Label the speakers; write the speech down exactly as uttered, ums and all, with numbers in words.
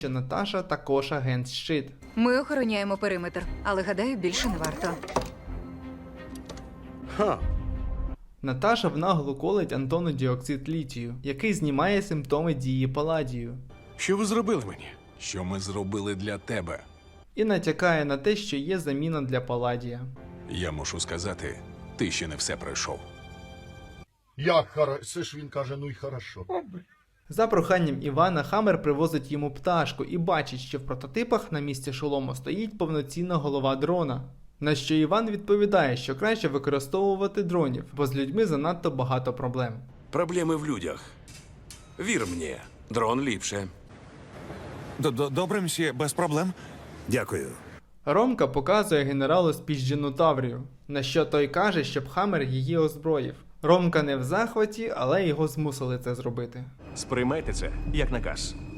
Speaker 1: що Наташа також агент щит.
Speaker 2: Ми охороняємо периметр, але, гадаю, більше не варто.
Speaker 3: Ха.
Speaker 1: Наташа внаглу колить Антону діоксид літію, який знімає симптоми дії паладію.
Speaker 3: Що ви зробили мені?
Speaker 4: Що ми зробили для тебе?
Speaker 1: І натякає на те, що є заміна для паладія.
Speaker 4: Я мушу сказати, ти ще не все пройшов.
Speaker 5: Як хорошо, це ж він каже, ну й хорошо.
Speaker 1: За проханням Івана, Хаммер привозить йому пташку і бачить, що в прототипах на місці шолому стоїть повноцінна голова дрона. На що Іван відповідає, що краще використовувати дронів, бо з людьми занадто багато проблем.
Speaker 6: Проблеми в людях. Вір мені, дрон ліпше.
Speaker 7: Добре, мсьє, без проблем.
Speaker 8: Дякую.
Speaker 1: Ромка показує генералу спіжджену Таврію, на що той каже, щоб Хаммер її озброїв. Ромка не в захваті, але його змусили це зробити.
Speaker 9: Сприймайте це як наказ.